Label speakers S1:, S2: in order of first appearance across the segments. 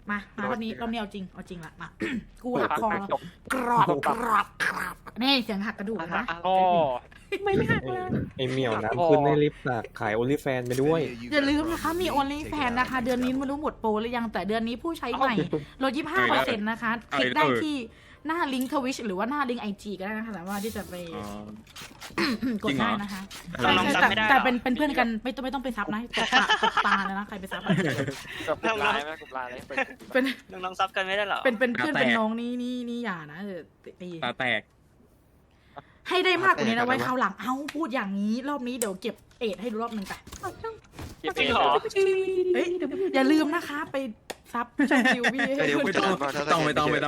S1: รอบนี้เอาจริงละมากูหักคอแล้วกรอบนี่เสียงหักกระดูกนะ
S2: โอ้
S1: ไม่หักเลย
S3: ไอเหมียวน้ำขึ้นในลิฟต์ฝากขายโอลิแฟนไปด้วย
S1: อย่าลืมนะคะมี OnlyFans นะคะเดือนนี้ไม่รู้หมดโปรหรือยังแต่เดือนนี้ผู้ใช้ใหม่ลด 25% นะคะคลิกได้ที่หน้าลิงก์ทวิชหรือว่าหน้าลิงก์ IG ก็ได้นะคะสามารถที่จะไปกดได้นะคะแต่เป็นเพื่อนกันไม่ต้องไปซับนะตบตาเลยนะใครไปซับ
S2: กับลายไหมกับลายเลย
S1: เป็น
S4: น้องซับกันไม่ได้หรอ
S1: เป็นเพื่อนเป็นน้องนี่อย่านะตี
S3: ตาแตก
S1: ให้ได้มากกว่านี้นะไว้คราวหลังพูดอย่างนี้รอบนี้เดี๋ยวเก็บเอ็ดให้ดูรอบนึงแต่
S4: พี่เป็นหรอ
S1: เฮ้ยอย่าลืมนะคะไปซับช่องคิวพี่
S5: ไม่ต้องถ้าสแกนไม่เจอ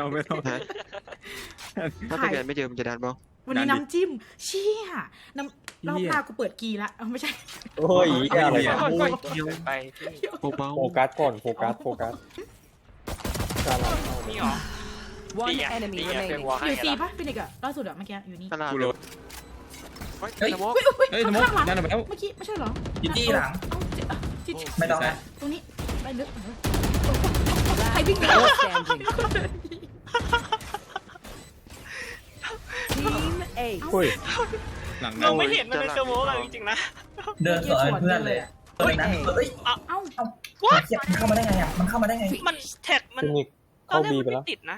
S5: มันจะดันบ้าง
S1: วันนี้น้ำจิ้มเชี่ยน้ำรอบหน้ากูเปิดกีละไม่ใช่
S3: โอ้ยอะไร
S4: ไปพี่
S5: โอ้เบา
S3: โฟกัสก่อนโฟกัสการเรา
S4: นี่หรอ
S6: One enemy
S4: เฟ
S6: remaining.
S4: วอ
S1: อ
S4: ให้
S1: ยู่ซี
S4: ละ
S1: ป่ะพี่นิกอะล่าสุดอะเมื่อกี้อยู่นี่
S5: ตลาด
S3: เฮ้ย
S1: เฮ้ย
S3: สมมตินั่นไปแล้ว
S1: เมื่อกี้ไม่ใช่เหรอ
S7: จี้หลัง
S1: ที่
S7: ไม่ต้องนะ
S1: ตรงนี้ไปลึกใครวิ่งเร็ว
S6: Player standing. Team A.
S3: เฮ้ยหลัง
S4: เราไม่เห็นมันเป็นสโมกจริงๆนะ
S7: เดินสวนเพื่อนเลยเฮ้ยนะเฮ้ย
S1: เอ้า
S7: มันเข้ามาได้ไงอ่ะมันเข้ามาได้ไง
S4: มันแท็กมัน
S3: ฟินิกเข้าบีไปแล้ว
S4: ติดนะ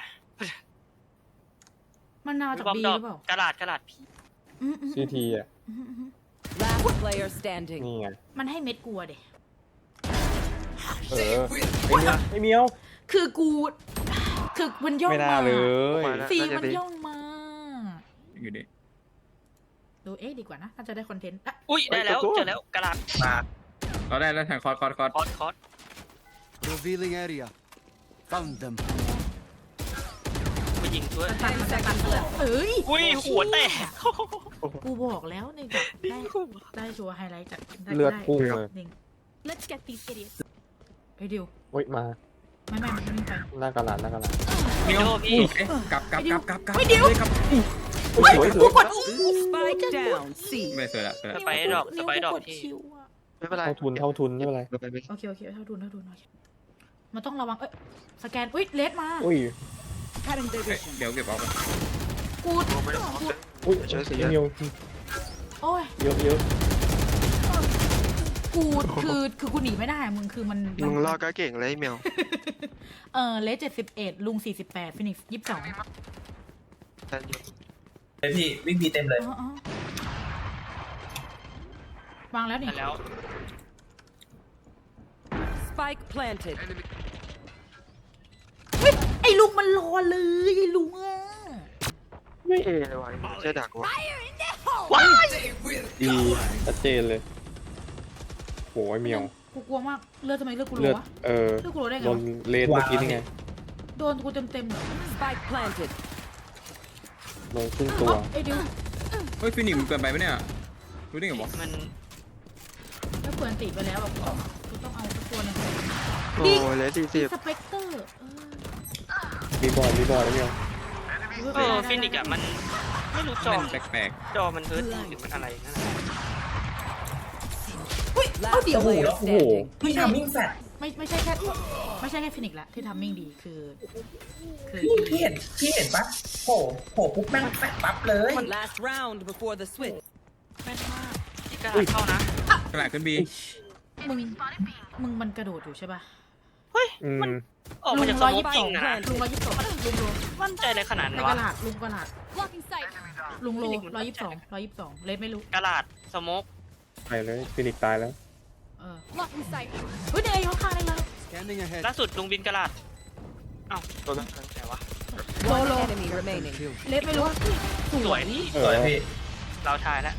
S1: มันนาจาก
S4: บอม
S1: บี
S4: ด
S1: ห
S4: อก
S1: รือเปล่าก
S4: ระดาษพี่
S3: ซีทีอ่ะ
S6: Last player standing.
S3: นี่ไง
S1: มันให้เม็ดกลัวเด็
S3: ไอเมียว
S1: คือมันย่อง
S3: ไม่น่า
S1: มา
S3: เลย
S1: สีมันย่องมา
S3: อยู่ดิ
S1: ดูดีกว่านะน่าจะได้คอนเทนต์
S4: อุ้ยได้แล้วเจอแล้วกระดาษ
S7: มา
S3: เราได้แล้วแทงคอร์
S4: คอร์ส
S8: Revealing area. Found them.
S4: ไปยิงด้วย
S1: ตัดเอ้ย
S4: อุ้ยหัวแตก
S1: กูบอกแล้วในได้ชัวร์ไฮไลท์จาก
S3: เลือดพุ่งเลย
S1: Let's get these idiots เฮ้ยดิว
S3: เฮ้ยมา
S1: ไม่มันวิ่งไป
S3: หน้ากระดาษ
S4: เมียวพี่
S3: กลับ
S1: ไม่ดิว
S3: สวย
S1: กูกด
S6: Spike down. C.
S3: ไม่สวยละ
S4: สไปดอกพี่
S5: ไม่เป็นไร
S3: เท่าทุนไม่เป็นไร
S5: เราไปไม่
S1: โอเคเท่าทุนมันต้องระวังสแกนเลสมา
S3: อุ้ย
S6: Cutting division.
S3: เดี๋ยวเก็บเอาไป
S1: กู
S3: อุ้ยไอเมียว
S1: โอ้ย
S3: เยอะ
S1: กูคือกูหนีไม่ได้มึงคือมัน
S5: มึงรอก็เก่งเลยเมียว
S1: เลส71ลุง48ฟินิกซ์22
S7: เลยพี่วิ่งบีเต็มเลยว
S1: างแล้วนี่
S4: แล้ว
S6: Spike planted.
S1: ไอ้ลุงมันรอเลยไอ้ลุงอ่ะ
S5: ไม่เอเลยวะเจ๊ดักวะ
S3: ดีชัดเจนเลยโหไอเมียว
S1: กูกลัวมากเลือดทำไมเลือดกู
S3: เลื
S1: รั
S3: อด
S1: วะ
S3: เออ
S1: เลือดกูรัวได้ไง
S3: โดนเลนเมื่อกี้นี่ไง
S1: โดนกูเต็มเลย
S6: Spike planted.
S3: โดนครึ่งตัว
S1: ไอ้ดิว
S9: เฮ้ยฟินิกซ์มันเกินไปไหมเนี่ยรู้ได้ไงวะ
S4: มัน
S1: แล้วเปิดตีไปแล้วแบบกูต้องเอาสักตัวนึง
S5: โอ้เลย40
S1: สเปกเตอร์
S3: มีบอลแล้วเมียว
S4: ฟินิกอะมันไม่รู้จอ
S9: แปลก
S4: จอมันเฮิร์ตหรือมันอะไรนั่นแหละ
S6: Last
S1: เดี๋ยว
S6: player
S3: โอ้โห
S6: standing.
S7: พี่ทำวิ่งแฟด
S1: ไม่ใช่แค่ฟินิกซ์ละที่ทำมิ่งดีคือ
S7: พี่เห็นปะโผล่ปุ๊บแม่งแฟดปั๊บเลย
S6: Last round before the switch.
S1: แม่นมาก
S4: ที่กระดาษเข้านะ
S9: ๆกระดาษขึ้นบี
S1: มึงมันกระโดดอยู่ใช่ป่ะ
S4: เฮ้ย
S3: อืม
S4: ออกมาจากสโมกจริงนะ
S1: ลุง122ลุง
S4: มั่นใจอะไรขนาด
S1: ใน
S4: นั้น
S1: ก
S4: วะ
S1: ระดาษลุงโล122เลสไม่รู้
S4: กระดาษสโมก
S3: ไปเลยฟินิกซ์ตายแล้ว
S1: เฮ้ยเดี๋ยวข้างเลยเลย
S8: Scanning ahead.
S4: ล่าสุดลุงบินกระดาษอ้าวตัวนั้นแต่วะ
S6: One enemy remaining.
S1: เลสไม่รู้
S4: สวยนี่
S3: เอ
S7: สวย
S3: อ
S7: พี่
S4: เราทายแล้ว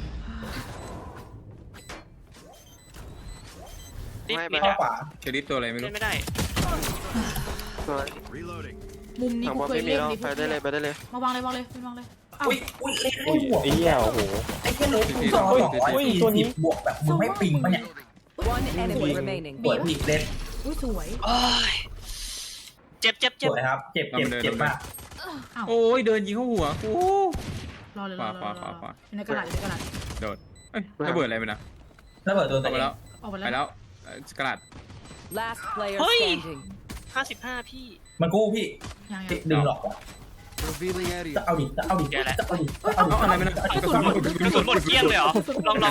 S4: ดิมิด
S7: เข้า
S4: อะ
S7: ขวา
S9: เชลิฟตัวอะไรไม่
S4: เล่
S9: รู้
S4: นไม่ได้
S5: สวย
S8: Reloading.
S1: มุมนี้
S5: ทาง
S1: กู
S5: บอล
S1: เคย
S5: ไม่มี
S1: เล่น
S5: แล้ว
S1: ดิ
S5: ไปได้เลย
S1: มาวางเลยอ้าว
S7: อุ้ยเล่น
S3: อุ้ย
S7: บวก
S3: ไอ้เหี้ยโอ้โห
S7: ไอ้แค่เลสกูจอ240บวกแบบมึงไม่ปิงปะเนี่ย
S6: One enemy remaining.
S7: สวยพี่เลส
S1: อุ้ยสวย
S4: โอ้ยเจ็บ
S7: สวยครับเจ็บมาก
S1: อ้าว
S9: โอ้ยเดินยิงเข้าหัวโอ้
S1: รอเลย
S9: ขวา
S1: ในกระดาษ
S9: โดดเอ้ยระเบิดอะไรไปนะ
S7: ระเบิดตัว
S9: เอาไปแล้ว
S1: ออกไป
S9: ไป
S1: แล้ว
S9: แล้วกระดาษ
S6: Last player
S4: Oi.
S6: standing.
S4: 55พี่
S7: มันกู้พี่
S1: ยัง
S7: ดึงหลอกว่ะ
S8: Revealing area.
S7: จะเอาดิจะเอาดิ
S4: แกแหละ
S7: จะเอาดิจะเอาดิ
S9: อะไรไม่นะ
S4: กระสุนหมดเกลี้ยงเลยเหรอลอง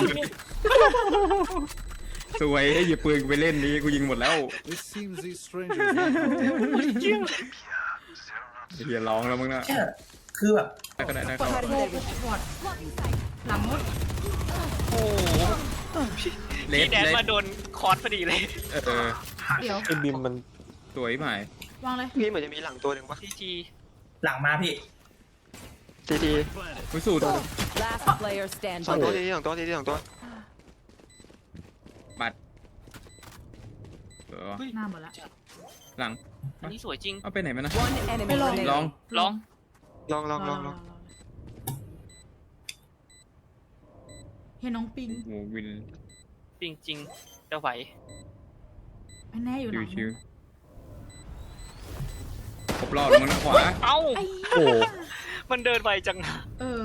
S9: สวยให้หยิบปืนกูไปเล่นนี้กูยิงหมดแล้ว
S8: It seems these strangers want
S4: หมดเกลี้ยง
S9: เฮียร้องแล้วมึงนะ
S7: แค่คือแบบ
S9: ได้ก็ได้ได้
S1: ก
S9: ก็
S1: ด
S9: ได้
S1: โบกกดหลังมุด
S4: โอ้โห
S9: เล
S4: พี่
S9: ส
S4: แดน
S9: เลส
S4: มาโดนคอร์สพอดีเลย
S1: เดี๋ยว
S3: ไอ้บิมมัน
S9: สวยหมายว
S1: างเลย
S5: พี่เหมือนจะมีหลังตัวหนึ่งปะ
S4: ทีที
S7: หลังมาพี่
S5: ทีที
S9: วิสูตร
S6: Last player
S5: สอง
S6: standing.
S5: ตัวทีทีสองตัวทีทีสองตัว
S9: บัตรเออ
S1: หน้าหมดละ
S9: หลัง
S4: อันนี้สวยจริง
S9: เอาไปไหนมานะ
S6: One enemy
S1: Hello.
S6: remaining.
S9: ลอง
S4: ลอง
S5: ลอง
S1: เห็นน้องปิง
S9: โอ้วิน
S4: จริงจริงจะไหว
S1: ไม่แน่อยู่หลัง
S9: ชิวๆครบรอบมึงนะขวา
S4: เอ้า
S1: ไอ้
S3: โอ้
S4: มันเดินไวจัง
S1: เออ